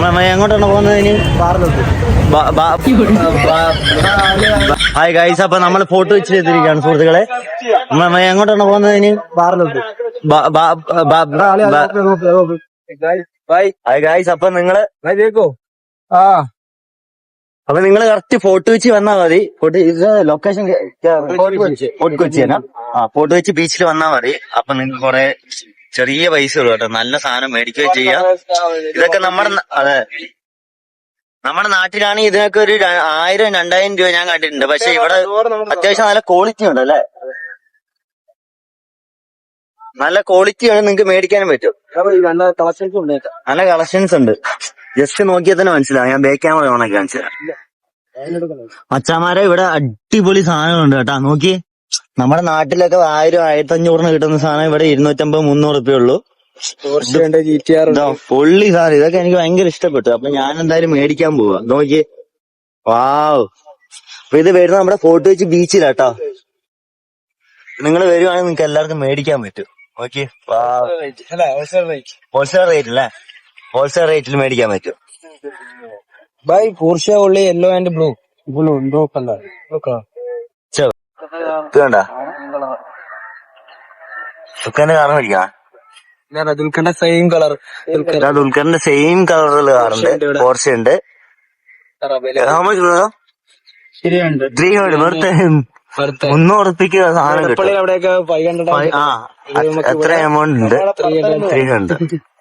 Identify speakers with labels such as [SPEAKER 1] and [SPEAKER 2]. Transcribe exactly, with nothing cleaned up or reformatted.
[SPEAKER 1] എങ്ങോട്ടാണ് പോകുന്നത് ഇനി? ഹായ് ഗൈസ്, അപ്പൊ നമ്മൾ ഫോട്ടോ വെച്ച് ചെയ്തിരിക്കുകയാണ് സുഹൃത്തുക്കളെ. എങ്ങോട്ടാണ് പോകുന്നത് ഇനി? ഹായ് ഗൈസ്, അപ്പൊ നിങ്ങള് ആ അപ്പൊ നിങ്ങള് കറക്റ്റ് ഫോട്ടോ വെച്ച് വന്നാ മതി. ഫോട്ടോ ഇത് ലൊക്കേഷൻ ഫോർട്ട് കൊച്ചിയാണ്. ആ ഫോട്ടോ വെച്ച് ബീച്ചിൽ വന്നാ മതി. അപ്പൊ നിങ്ങൾക്ക് കുറെ ചെറിയ പൈസ ഉള്ളു കേട്ടോ, നല്ല സാധനം മേടിക്കുകയും ചെയ്യാം. ഇതൊക്കെ നമ്മുടെ അതെ നമ്മുടെ നാട്ടിലാണെങ്കിൽ ഇതിനൊക്കെ ഒരു ആയിരം രണ്ടായിരം രൂപ ഞാൻ കണ്ടിട്ടുണ്ട്. പക്ഷെ ഇവിടെ അത്യാവശ്യം നല്ല ക്വാളിറ്റി ഉണ്ട് അല്ലെ, നല്ല ക്വാളിറ്റിയാണ്, നിങ്ങൾക്ക് മേടിക്കാനും പറ്റും. നല്ല കളക്ഷൻസ് ഉണ്ട്, ജസ്റ്റ് നോക്കിയാൽ തന്നെ മനസ്സിലാവും. ഞാൻ ബാക്ക് ക്യാമറ ഓണാക്കി കാണിച്ചു മച്ചാമാരെ. ഇവിടെ അടിപൊളി സാധനങ്ങളുണ്ട് കേട്ടാ, നോക്കി. നമ്മുടെ നാട്ടിലൊക്കെ ആയിരം ആയിരത്തി അഞ്ഞൂറിന് കിട്ടുന്ന സാധനം ഇവിടെ ഇരുന്നൂറ്റമ്പത് മുന്നൂറ് റുപ്യ ഉള്ളൂ. പൊള്ളി സാധനം, ഇതൊക്കെ എനിക്ക് ഭയങ്കര ഇഷ്ടപ്പെട്ടു. അപ്പൊ ഞാൻ എന്തായാലും മേടിക്കാൻ പോവാ. നോക്കി, വാവ്. അപ്പൊ ഇത് വരുന്നത് നമ്മുടെ ഫോർട്ട് കൊച്ചി ബീച്ചിലാട്ടോ. നിങ്ങൾ വരുവാണെങ്കിൽ നിങ്ങൾക്ക് എല്ലാവർക്കും മേടിക്കാൻ പറ്റും. ഓക്കെ, ഹോൾസെയിൽ റേറ്റ് അല്ലേ, ഹോൾസെയിൽ റേറ്റിൽ മേടിക്കാൻ പറ്റും.
[SPEAKER 2] By Porsche only yellow and blue blue blue colour
[SPEAKER 1] വേണ്ട ദുൽഖറിന്റെ കാർ മേടിക്കാം.
[SPEAKER 2] ദുൽഖറിന്റെ സെയിം കളർ
[SPEAKER 1] ദുൽഖറിന്റെ സെയിം കളറുള്ള കാറുണ്ട്, പോർഷെ ഉണ്ട്. ത്രീ ഹൺഡ്രഡ് മുന്നൂറ് ഉറുപ്പിക്ക് സാധനം കിട്ടും.
[SPEAKER 2] അവിടെയൊക്കെ ഫൈവ് ഹൺഡ്രഡ്
[SPEAKER 1] ആ എത്ര എമൗണ്ട് ഉണ്ട്? Three hundred